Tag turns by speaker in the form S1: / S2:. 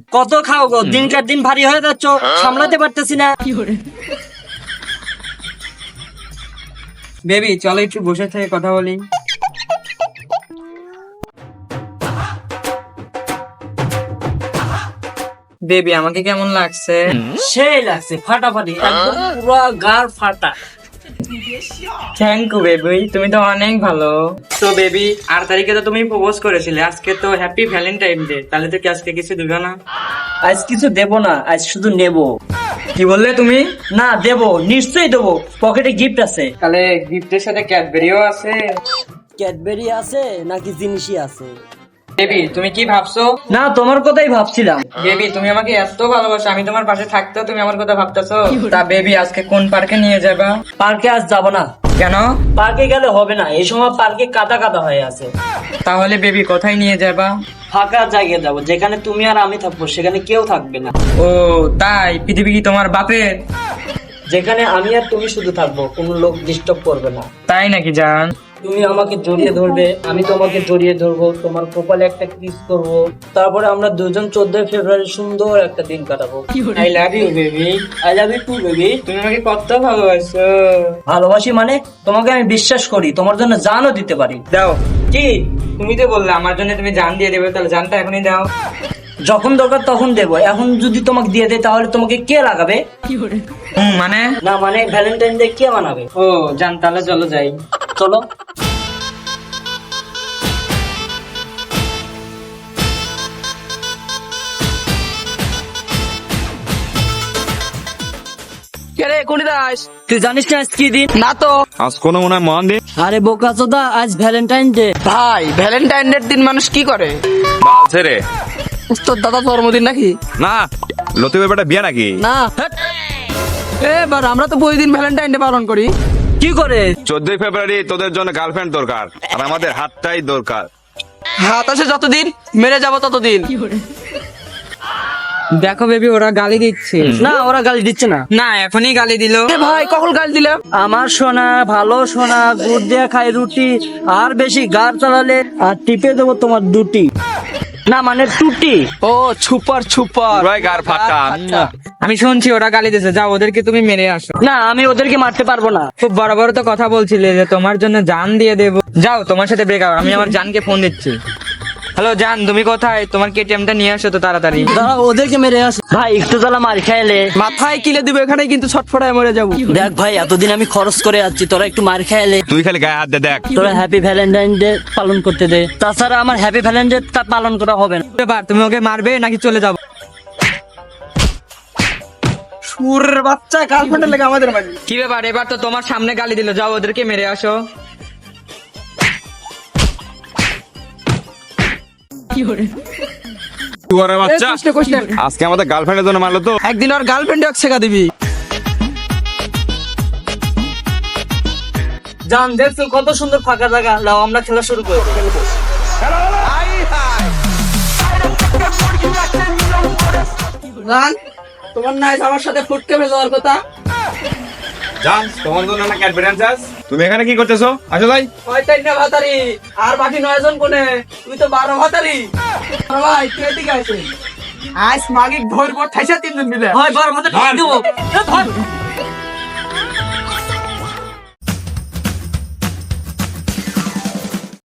S1: কত খাও গো, দিনকার দিন ভারী হয়ে যাচ্ছ, সামলাতে পারতেছি না।
S2: বেবি চলো একটু বসে থেকে কথা বলি। বেবি আমাকে কেমন লাগছে?
S1: সেই লাগছে, ফাটাফাটি, একদম পুরো গার ফাটা।
S2: থ্যাংক ইউ বেবি, তুমি তো অনেক ভালো। তো বেবি 8 তারিখে তো তুমি প্রপোজ করেছিলে, আজকে তো হ্যাপি ভ্যালেন্টাইন ডে, তাহলে তো কি আজকে কিছু দিবে না?
S1: আজ কিছু দেবো না, আজ শুধু নেবো।
S2: কি বললে তুমি?
S1: না দেবো, নিশ্চয়ই দেবো, পকেটে গিফট আছে।
S2: তাহলে গিফটের সাথে ক্যাডবেরিও আছে?
S1: ক্যাডবেরি আছে নাকি জিনিসই আছে?
S2: বেবি তুমি কি ভাবছো?
S1: না, তোমার কথাই ভাবছিলাম।
S2: বেবি তুমি আমাকে এত ভালোবাসো, আমি তোমার পাশে থাকতেও তুমি আমার কথা ভাবতেছো? তা বেবি আজকে কোন পার্কে নিয়ে যাবা?
S1: পার্কে আজ যাবো না।
S2: কেন?
S1: পার্কে গেলে হবে না, এই সময় পার্কে কাদা কাদা হয়ে আছে।
S2: তাহলে বেবি কোথায় নিয়ে যাবা?
S1: ফাঁকা জায়গায় যাবো, যেখানে তুমি আর আমি থাকবো, সেখানে কেউ থাকবে না।
S2: ও তাই? পৃথিবী কি তোমার বাপের?
S1: যেখানে আমি আর তুমি শুধু থাকবো, কোনো লোক ডিস্টার্ব করবে না।
S2: তাই নাকি জান?
S1: তুমি আমাকে জড়িয়ে ধরবে, আমি তোমাকে জড়িয়ে ধরবো, তোমার কপালে একটা কিস করবো, তারপরে আমরা দুজন 14 ফেব্রুয়ারি সুন্দর একটা দিন কাটাবো।
S2: I love you baby.
S1: I love you too baby.
S2: তুমি আমাকে কত ভালোবাসো।
S1: ভালোবাসি মানে তোমাকে আমি বিশ্বাস করি, তোমার জন্য জানও দিতে পারি।
S2: দাও। কি? তুমি তো বললে আমার জন্য তুমি জান দিয়ে দেবে, তাহলে জানটা এখনই দাও।
S1: যখন দরকার তখন দেবো, এখন যদি তোমাকে দিয়ে দেয় তাহলে তোমাকে কে লাগাবে?
S2: মানে?
S1: না মানে ভ্যালেন্টাইন ডে কে মানাবে?
S2: ও জান, তাহলে চলো যাই।
S1: চলো। তুই জানিস না আজ কি দিন?
S3: না তো
S4: আজ কোনো মনে হয় মহান দিন।
S1: আরে বোকাচোদা, আজ ভ্যালেন্টাইন ডে।
S3: ভাই, ভ্যালেন্টাইন ডে দিন মানুষ কি করে?
S4: বাল ছেড়ে।
S3: তোর দাদা জন্মদিন নাকি?
S4: না, লতিফের বেটা বিয়ে নাকি?
S3: না, এবার আমরা তো প্রতিদিন ভ্যালেন্টাইন ডে পালন করি।
S1: কি করে?
S4: 14 ফেব্রুয়ারি তোদের জন্য গার্লফ্রেন্ড দরকার, আর আমাদের হাতটাই দরকার।
S3: হাত আছে যতদিন, মেরে যাবো ততদিন।
S2: দেখো বেবি ওরা গালি দিচ্ছে।
S1: না, ওরা গালি দিচ্ছে না।
S2: না এখনই গালি দিল।
S3: এ ভাই, কখন গাল দিলাম?
S1: আমার সোনা, ভালো সোনা, গুড় দিয়ে খাই রুটি, আর বেশি গাড় চালালে আর টিপে দেবো তোমার দুটি। না মানে টুটি।
S3: ও ছুপার ছুপার।
S4: পুরাই গার ফাটা।
S2: আমি শুনছি ওরা গালি দিচ্ছে, যাও ওদেরকে তুমি মেরে আসো।
S1: না, আমি ওদেরকে মারতে পারবো না।
S2: খুব বড় বড় তো কথা বলছিলে যে তোমার জন্য জান দিয়ে দেবো। যাও, তোমার সাথে ব্রেকআপ। আমি আমার জানকে ফোন দিচ্ছি। হ্যালো জান, তুমি কোথায়? তোমার কেটিএমটা নিয়ে আসো তো তাড়াতাড়ি।
S1: দাঁড়া, ওদেরকে মেরে আস। ভাই একটু জ্বালা মার খাইলে।
S3: মাথায় কিলে দিব, এখানে কিন্তু ছটফটায় মরে যাবো।
S1: দেখ ভাই, এতদিন আমি খরচ করে যাচ্ছি, তোরা একটু মার খাইলে।
S4: তুই খালি গায়ে হাত দে দেখ।
S1: তোরা হ্যাপি ভ্যালেন্টাইন ডে পালন করতে দে, তাছাড়া আমার হ্যাপি ভ্যালেন্টাইন ডে পালন করা হবে না।
S2: এবার তুমি ওকে মারবে নাকি চলে যাবো?
S3: সুরের বাচ্চা, গার্লফ্রেন্ডের লেগে আমাদের মাঝে।
S2: কি ব্যাপার, এবার তো তোমার সামনে গালি দিল, যাও ওদেরকে মেরে আসো।
S4: তুয়ারে বাচ্চা,
S3: কোশ্চেন
S4: আজকে আমাদের গার্লফ্রেন্ডের জন্য মারলো তো।
S3: একদিন আর গার্লফ্রেন্ড শেখা দিবি।
S1: জান দেখছো কত সুন্দর ফাঁকা জায়গা, লাও আমরা খেলা শুরু করি।
S3: জান, তোমার নাই আমার সাথে ফুটকে যাওয়ার কথা।
S4: জান, তোমার জন্য না ক্যাডবেরি আনছাস? তুমি এখানে কি করতেছো? আসো ভাই।
S3: কয়টা ভাতারি আর বাকি 9 জন কোনে? তুই তো 12 ভাতারি। ভাই তুই এদিকে আইছিস। আজ মাগিক ধরবো ঠাইসা 3 জন মিলে।
S1: হয় বার মধ্যে দেবো।